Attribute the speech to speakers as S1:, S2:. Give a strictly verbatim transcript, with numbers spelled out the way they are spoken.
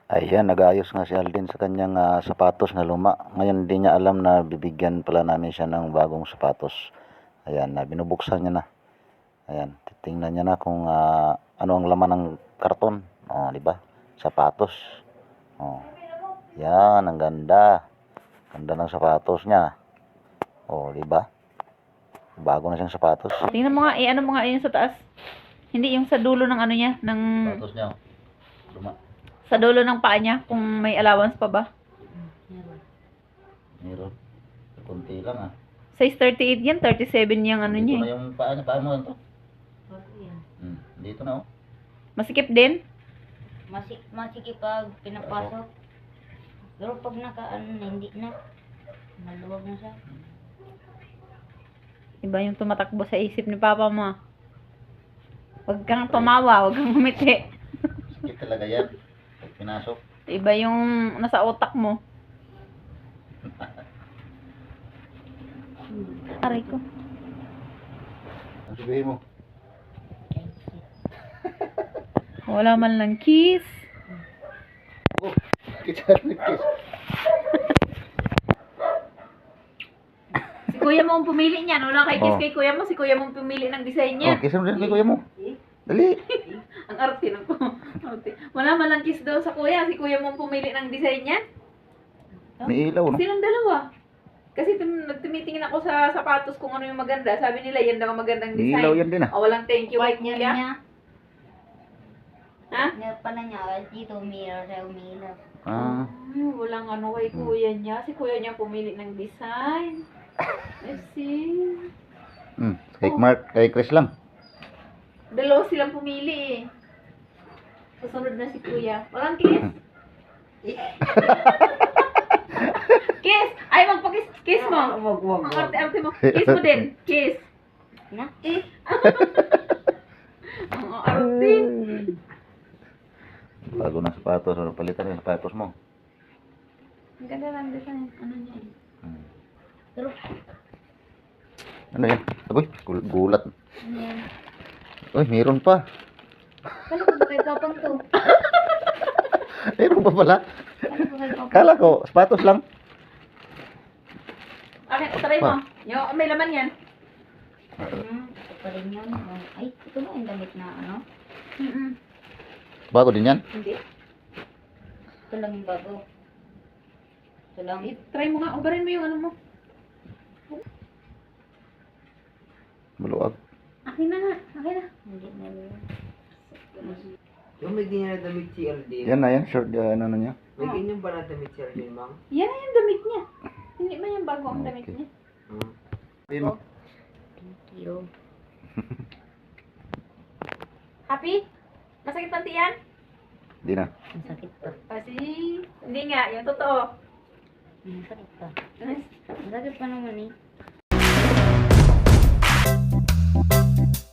S1: Ayan, nag-aayos nga si Alden sa kanyang ah, sapatos na luma. Ngayon hindi niya alam na bibigyan pala namin siya ng bagong sapatos. Ayan, na binubuksan niya na. Ayan, titingnan niya na kung ah, ano ang laman ng karton. Oh, di ba? Sapatos. Oh. Yan, ang ganda. Ganda ng sapatos niya. Oh, di ba? Bago na siyang sapatos.
S2: Tingnan mo nga, eh, ano mo nga yun sa taas. Hindi yung sa dulo ng ano niya, ng...
S1: Sapatos niya. Luma.
S2: Sa dulo ng paa niya, kung may allowance pa ba.
S1: Meron. Kunti lang ah.
S2: Size thirty-eight yan, thirty-seven yung ano
S1: Dito
S2: niya.
S1: na
S2: Eh.
S1: yung paa niya. Paa mo yan to. Hmm, dito na oh.
S2: Masikip din.
S3: Masik masikip pag pinapasok. Pero pag naka ano na, hindi na. Maluwag na siya.
S2: Iba yung tumatakbo sa isip ni Papa mo. Huwag kang tumawa, huwag kang humiti.
S1: Sakit talaga yan. Pag pinasok.
S2: Iba yung nasa utak mo. Aray ko.
S1: Ang sabihin mo.
S2: Wala man lang kiss.
S1: Oh, kita nag-kiss.
S2: Si kuya mo ang pumili niyan. Wala kay kiss
S1: Oh.
S2: kay kuya mo. Si kuya mo ang pumili ng design niya.
S1: Oh, kiss mo din kay kuya mo. Dali.
S2: Ang arte ng ko. Arte. Wala man lang kiss daw sa kuya. Si kuya mo ang pumili ng design niya.
S1: May ilaw, no?
S2: Sinong dalawa? Kasi tum- nagtumitingin ako sa sapatos kung ano yung maganda. Sabi nila, yan daw ang magandang
S1: May
S2: design.
S1: ilaw yan din ah.
S2: Oh, walang thank you kay
S3: Partner
S2: kuya.
S3: niya.
S2: Ha?
S3: Partner pala niya. Dito umilaw siya umilaw.
S1: Ah.
S2: Ay, walang ano kay kuya niya. Si kuya niya pumili ng design. I see.
S1: Hmm, kay Mark, kay Chris lang.
S2: Dalawa silang pumili eh. Susunod na si kuya. Walang kiss. Kiss! Ay, magpa-kiss. Kiss mo.
S3: Wag, wag,
S2: Ang arte-arte mo. Kiss mo din. Kiss.
S3: Na?
S2: Eh. Ang arte.
S1: Bago ng sapatos, ano palitan yung sapatos mo.
S2: Ang ganda lang design. Ano niya eh.
S1: Hmm.
S3: Pero,
S1: Ano yan? Agoy, gul- gulat.
S2: Ano yan?
S1: Uy, meron pa.
S3: kala ko ba kay Papang to?
S1: Meron pa pala.
S3: Kala ko kay Papang.
S1: Kala ko, sapatos lang.
S2: Okay, try mo. Yo, may laman yan.
S3: Hmm, ito pa rin yun. Ay, ito na yung damit na ano.
S2: Mm-mm.
S1: Bago din yan.
S2: Hindi.
S3: Ito lang yung bago. Ito lang.
S2: I-try mo nga. Ubarin mo yung ano mo.
S1: Maluwag.
S2: Akin na nga. Akin na.
S3: Hindi na yun.
S4: Yung may ganyan na damit si Aldin.
S1: Yan na yan, short, uh, ano na niya.
S4: May ganyan ba na damit si Aldin, ma'am?
S2: Yan na yung damit niya. Hindi ba yung bago ang damit
S1: Okay.
S2: niya?
S4: Hmm.
S1: Sabihin mo.
S3: Thank you.
S2: Happy? Masakit ang tiyan?
S1: Hindi na.
S3: Ang sakit pa.
S2: Kasi, hindi nga. Yung totoo.
S3: Ang sakit pa. Ang sakit pa naman eh.